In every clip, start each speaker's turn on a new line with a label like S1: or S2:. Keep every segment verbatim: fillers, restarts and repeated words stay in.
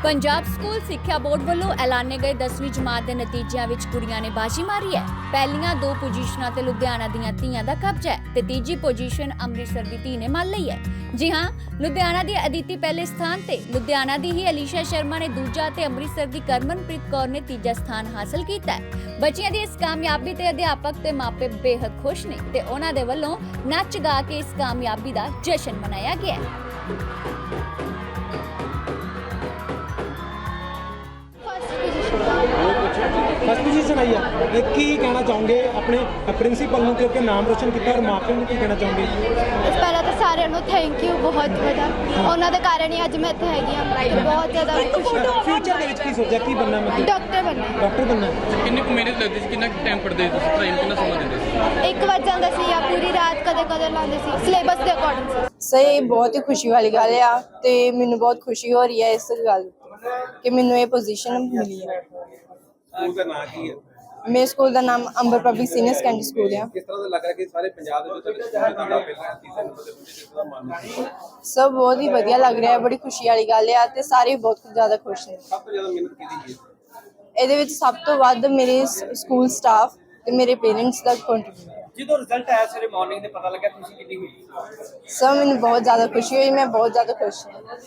S1: Punjab school सिक्ख्या board ਵੱਲੋਂ ਐਲਾਨੇ ਗਏ ਦਸਵੀਂ ਜਮਾਤ ਦੇ ਨਤੀਜਿਆਂ ਵਿੱਚ ਕੁੜੀਆਂ ਨੇ ਬਾਜੀ ਮਾਰੀ ਹੈ। ਪਹਿਲੀਆਂ ਦੋ ਪੋਜੀਸ਼ਨਾਂ ਤੇ ਲੁਧਿਆਣਾ ਦੀਆਂ ਧੀਆਂ ਦਾ ਕਬਜ਼ਾ ਹੈ ਤੇ ਤੀਜੀ ਪੋਜੀਸ਼ਨ ਅੰਮ੍ਰਿਤਸਰ ਦੀ ਧੀ ਨੇ ਮੰਨ ਲਈ ਹੈ। ਜੀ ਹਾਂ, ਲੁਧਿਆਣਾ ਦੀ ਅਦਿਤੀ ਪਹਿਲੇ ਸਥਾਨ ਤੇ, ਲੁਧਿਆਣਾ ਦੀ ਹੀ ਅਲੀਸ਼ਾ ਸ਼ਰਮਾ ਨੇ ਦੂਜਾ ਤੇ ਅੰਮ੍ਰਿਤਸਰ ਦੀ ਕਰਮਨਪ੍ਰੀਤ ਕੌਰ ਨੇ ਤੀਜਾ ਸਥਾਨ ਹਾਸਲ ਕੀਤਾ ਹੈ। ਬੱਚਿਆਂ ਦੀ ਇਸ ਕਾਮਯਾਬੀ ਤੇ ਅਧਿਆਪਕ ਤੇ ਮਾਪੇ ਬੇहद ਖੁਸ਼ ਨੇ ਤੇ ਉਹਨਾਂ ਦੇ ਵੱਲੋਂ ਨੱਚ ਗਾ ਕੇ ਇਸ ਕਾਮਯਾਬੀ ਦਾ ਜਸ਼ਨ ਮਨਾਇਆ ਗਿਆ ਹੈ।
S2: फस्ट पोजीशन आई है की कहना चाहोगे अपने प्रिंसीपल ਨੂੰ ਕਿਉਂਕਿ ਨਾਮ ਰੋਸ਼ਨ ਕੀਤਾ ਔਰ ਮਾਪਿਆਂ ਨੂੰ ਕੀ ਕਹਿਣਾ ਚਾਹੋਗੇ?
S3: ਪਹਿਲਾਂ ਤਾਂ ਸਾਰਿਆਂ ਨੂੰ ਥੈਂਕ ਯੂ ਬਹੁਤ ਵੱਡਾ, ਉਹਨਾਂ ਦੇ ਕਾਰਨ ਹੀ ਅੱਜ ਮੈਂ ਇੱਥੇ ਹੈਗੀ ਹਾਂ। ਬਹੁਤ ਜ਼ਿਆਦਾ ਖੁਸ਼ ਹਾਂ।
S2: ਫਿਊਚਰ ਦੇ ਵਿੱਚ ਕੀ ਸੋਚਿਆ, ਕੀ ਬਣਨਾ? ਮੈਂ
S3: ਡਾਕਟਰ ਬਣਨਾ।
S2: ਡਾਕਟਰ ਬਣਨਾ।
S4: ਕਿੰਨੀ ਕੁ ਮਿਹਨਤ ਲੱਗਦੀ ਸੀ, ਕਿੰਨਾ ਟਾਈਮ ਪੜ੍ਹਦੇ ਸੀ ਤੁਸੀਂ, ਟਾਈਮ ਕਿੰਨਾ ਸਮਾਂ ਦਿੰਦੇ ਸੀ?
S3: ਇੱਕ ਵੱਜ ਜਾਂਦਾ ਸੀ ਜਾਂ ਪੂਰੀ ਰਾਤ ਕਦੇ ਕਦੇ ਲਾਉਂਦੇ ਸੀ, ਸਿਲੇਬਸ ਦੇ ਅਕੋਰਡਿੰਗ ਸੀ।
S5: ਸਹੀ, ਬਹੁਤ ਹੀ ਖੁਸ਼ੀ ਵਾਲੀ ਗੱਲ ਆ ਤੇ ਮੈਨੂੰ ਬਹੁਤ ਖੁਸ਼ੀ ਹੋ ਰਹੀ ਹੈ ਇਸ ਗੱਲ ਕਿ ਮੈਨੂੰ ਇਹ ਪੋਜੀਸ਼ਨ ਮਿਲੀ ਹੈ।
S2: ਸਕੂਲ ਦਾ ਨਾਮ ਕੀ ਹੈ?
S5: ਮੇਰੇ ਸਕੂਲ ਦਾ ਨਾਮ Amber public senior secondary school ਹੈ।
S2: ਕਿਸ ਤਰ੍ਹਾਂ ਦਾ ਲੱਗ ਰਿਹਾ ਕਿ ਸਾਰੇ ਪੰਜਾਬ ਦੇ ਵਿੱਚ ਤੁਹਾਡੇ ਸਕੂਲ ਦਾ ਪਹਿਲਾ ਤੀਸਰੇ ਨੰਬਰ ਤੇ ਪਹੁੰਚੇ, ਜਿਸ ਦਾ ਮਾਣ ਹੈ?
S5: ਸਭ ਬਹੁਤ ਹੀ ਵਧੀਆ ਲੱਗ ਰਿਹਾ ਹੈ, ਬੜੀ ਖੁਸ਼ੀ ਵਾਲੀ ਗੱਲ ਆ ਤੇ ਸਾਰੇ ਬਹੁਤ ਜ਼ਿਆਦਾ ਖੁਸ਼ ਨੇ।
S2: ਸਭ ਤੋਂ ਜ਼ਿਆਦਾ ਮਿਹਨਤ ਕੀਤੀ ਹੈ
S5: ਇਹਦੇ ਵਿੱਚ ਸਭ ਤੋਂ ਵੱਧ ਮੇਰੇ ਸਕੂਲ ਸਟਾਫ ਤੇ ਮੇਰੇ ਪੇਰੈਂਟਸ ਦਾ ਕੰਟਰੀਬਿਊਸ਼ਨ ਹੈ।
S2: ਜਦੋਂ ਰਿਜ਼ਲਟ ਆਇਆ ਸਵੇਰੇ ਮਾਰਨਿੰਗ ਦੇ ਪਤਾ ਲੱਗਾ, ਖੁਸ਼ੀ ਕਿੰਨੀ ਹੋਈ?
S5: ਸਭ ਮੈਨੂੰ ਬਹੁਤ ਜ਼ਿਆਦਾ ਖੁਸ਼ੀ ਹੋਈ, ਮੈਂ ਬਹੁਤ ਜ਼ਿਆਦਾ ਖੁਸ਼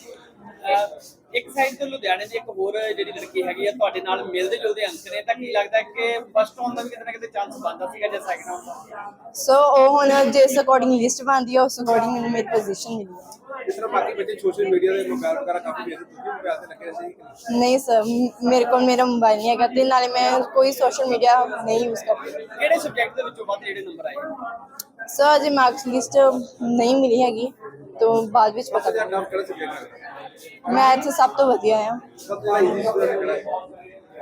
S5: ਹਾਂ।
S6: ਇੱਕ ਸਾਈਡ ਤੋਂ ਲੁਧਿਆਣੇ ਦੀ ਇੱਕ ਹੋਰ ਜਿਹੜੀ ਲੜਕੀ ਹੈਗੀ ਆ ਤੁਹਾਡੇ ਨਾਲ ਮਿਲਦੇ ਜੁਲਦੇ ਅੰਕ ਨੇ, ਤਾਂ ਕੀ ਲੱਗਦਾ ਕਿ ਫਸਟ ਆਉਣ ਦਾ ਵੀ ਕਿਤੇ ਨਾ ਕਿਤੇ ਚਾਂਸ ਬਣਦਾ ਸੀਗਾ ਜਾਂ ਸੈਕਿੰਡ ਆਉਣ ਦਾ?
S5: ਸੋ ਉਹ ਹੁਣ ਜਿਸ ਅਕੋਰਡਿੰਗ ਲਿਸਟ ਬਣਦੀ ਹੈ ਉਸ ਅਕੋਰਡਿੰਗ ਮੈਨੂੰ ਮੇਰੀ ਪੋਜੀਸ਼ਨ ਮਿਲੀ ਹੈ।
S2: ਜਿਸ ਤਰ੍ਹਾਂ ਬਾਕੀ ਬੱਚੇ ਸੋਸ਼ਲ ਮੀਡੀਆ ਦੇ ਮੁਕਾਬਲੇ ਵਗੈਰਾ ਕਾਫੀ ਵੇਖਦੇ, ਤੁਸੀਂ ਵੀ ਪਿਆਰ ਤੇ ਲੱਗੇ ਰਹੇ ਸੀ?
S5: ਨਹੀਂ ਸਰ, ਮੇਰੇ ਕੋਲ ਮੇਰਾ ਮੋਬਾਈਲ ਨਹੀਂ ਹੈਗਾ ਤੇ ਨਾਲੇ ਮੈਂ ਕੋਈ ਸੋਸ਼ਲ ਮੀਡੀਆ ਨਹੀਂ ਯੂਜ਼ ਕਰਦੀ।
S6: ਕਿਹੜੇ ਸਬਜੈਕਟ ਦੇ ਵਿੱਚੋਂ ਵੱਧ ਜਿਹੜੇ ਨੰਬਰ ਆਏ?
S5: ਸਰ ਅਜੇ ਮਾਰਕਸ ਲਿਸਟ ਨਹੀਂ ਮਿਲੀ ਹੈਗੀ ਤੋਂ ਬਾਅਦ ਵਿੱਚ ਪਤਾ
S2: ਜਾਂ
S5: ਲੱਗੇਗਾ।
S2: ਨਾਮ ਕਿਹੜਾ ਸਬਜੈਕਟ ਹੈ?
S5: ਮੈਥ ਸਭ ਤੋਂ ਵਧੀਆ ਆ।
S2: ਸਭ ਤੋਂ ਜ਼ਿਆਦਾ ਈਜ਼ੀ ਸਬਜੈਕਟ ਕਿਹੜਾ ਹੈ?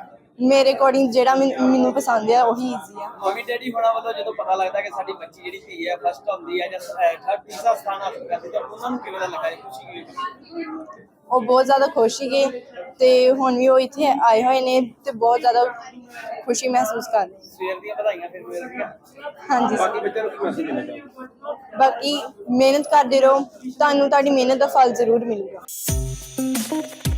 S5: ਮੇਰੇ ਅਕੋਰਡਿੰਗ ਜਿਹੜਾ ਮੈਨ- ਮੈਨੂੰ ਪਸੰਦ ਆ ਉਹੀ ਈਜ਼ੀ ਆ।
S6: ਮੰਮੀ ਡੈਡੀ ਹੋਣਾ ਵੱਲੋਂ ਜਦੋਂ ਪਤਾ ਲੱਗਦਾ ਕਿ ਸਾਡੀ ਬੱਚੀ ਜਿਹੜੀ ਧੀ ਹੈ ਫਸਟ ਆਉਂਦੀ ਹੈ ਜਾਂ ਥਰਡ ਤੀਸਰਾ ਸਥਾਨ ਹਾਸਲ ਕਰਦੀ, ਤਾਂ ਉਹਨਾਂ ਨੂੰ ਕਿਵੇਂ ਦਾ ਲੱਗਾ, ਖੁਸ਼ੀ ਕਿਵੇਂ?
S5: ਉਹ ਬਹੁਤ ਜ਼ਿਆਦਾ ਖੁਸ਼ ਸੀਗੇ ਤੇ ਹੁਣ ਵੀ ਉਹ ਇੱਥੇ ਆਏ ਹੋਏ ਨੇ ਤੇ ਬਹੁਤ ਜ਼ਿਆਦਾ ਖੁਸ਼ੀ ਮਹਿਸੂਸ ਕਰ ਰਹੇ।
S6: ਸਵੇਰ ਦੀਆਂ ਵਧਾਈਆਂ ਫਿਰ ਮਿਲ ਰਹੀਆਂ।
S5: ਹਾਂਜੀ
S2: ਬਾਕੀ
S5: ਸਰ,
S2: ਬੱਚਿਆਂ ਨੂੰ ਕੀ ਮੈਸੇਜ ਦੇਣਾ ਚਾਹੋਗੇ?
S5: ਬਾਕੀ ਮਿਹਨਤ ਕਰਦੇ ਰਹੋ, ਤੁਹਾਨੂੰ ਤੁਹਾਡੀ ਮਿਹਨਤ ਦਾ ਫਲ ਜ਼ਰੂਰ ਮਿਲੇਗਾ।